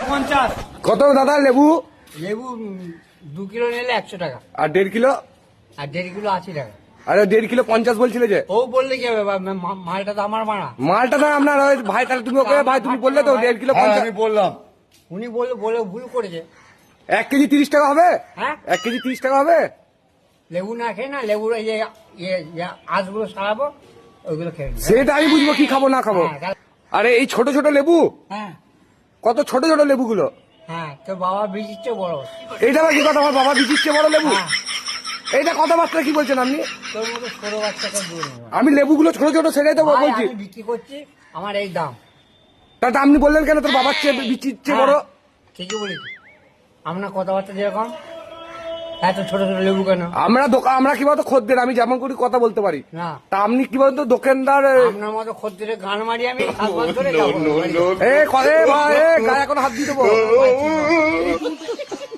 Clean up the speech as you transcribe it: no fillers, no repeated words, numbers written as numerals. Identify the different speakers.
Speaker 1: 50।
Speaker 2: কত দাদা লেবু?
Speaker 1: লেবু 2 কিলো নিলে 100 টাকা,
Speaker 2: আর 1.5 কিলো?
Speaker 1: আর 1.5 কিলো 80 টাকা।
Speaker 2: আরে 1.5 কিলো 50 বলছিলে যে?
Speaker 1: ও বললে কি হবে, মালটা তো আমার মানা।
Speaker 2: মালটা না আপনার ভাই, তাহলে তুমি ওকে ভাই তুমি বললে তো 1.5 কিলো 50।
Speaker 3: আমি বললাম
Speaker 1: উনি বলে ভুল করেছে।
Speaker 2: 1 কেজি 30 টাকা হবে?
Speaker 1: হ্যাঁ,
Speaker 2: 1 কেজি 30 টাকা হবে?
Speaker 1: লেবু না খেয়ে না, লেবুর এই যে আঁশগুলো সারাবো, ওইগুলো খেয়ে নিন।
Speaker 2: সেটা আমি বুঝবো কি খাবো না খাবো।
Speaker 1: হ্যাঁ,
Speaker 2: আরে এই ছোট ছোট লেবু,
Speaker 1: হ্যাঁ,
Speaker 2: কত ছোট ছোট লেবুগুলো।
Speaker 1: হ্যাঁ, তো বাবা বীজিচ্ছে বড়।
Speaker 2: এইটা আবার কি কথা, আমার বাবা বিচিচ্ছে বড় লেবু?
Speaker 1: হ্যাঁ,
Speaker 2: এইটা কথাবার্তা কি বলছেন আপনি?
Speaker 1: তোর মতো ছোট বাচ্চাকে দূর নেবো।
Speaker 2: আমি লেবুগুলো ছোট ছোট সেটাই তো
Speaker 1: ভাই,
Speaker 2: বলছি।
Speaker 1: আমি বিক্রি করছি, আমার এই দাম।
Speaker 2: তাতে আপনি বললেন কেন তোর বাবার চেয়ে বিচিচ্ছে বড়?
Speaker 1: হ্যাঁ, ঠিকই বলেছি। আপনার কথাবার্তা যেরকম, এত ছোট ছোট লেবু কেন?
Speaker 2: আমরা কি বলতো খদ্দের, আমি যেমন করি কথা বলতে পারি।
Speaker 1: না,
Speaker 2: তা আপনি কি বলতো দোকানদার?
Speaker 1: আপনার মতো খদ্দের গান মারি আমি, হাত বাঁধ ধরে যাবো।
Speaker 2: এ করে ভাই, গায়ে এখন হাত দিয়ে দেবো।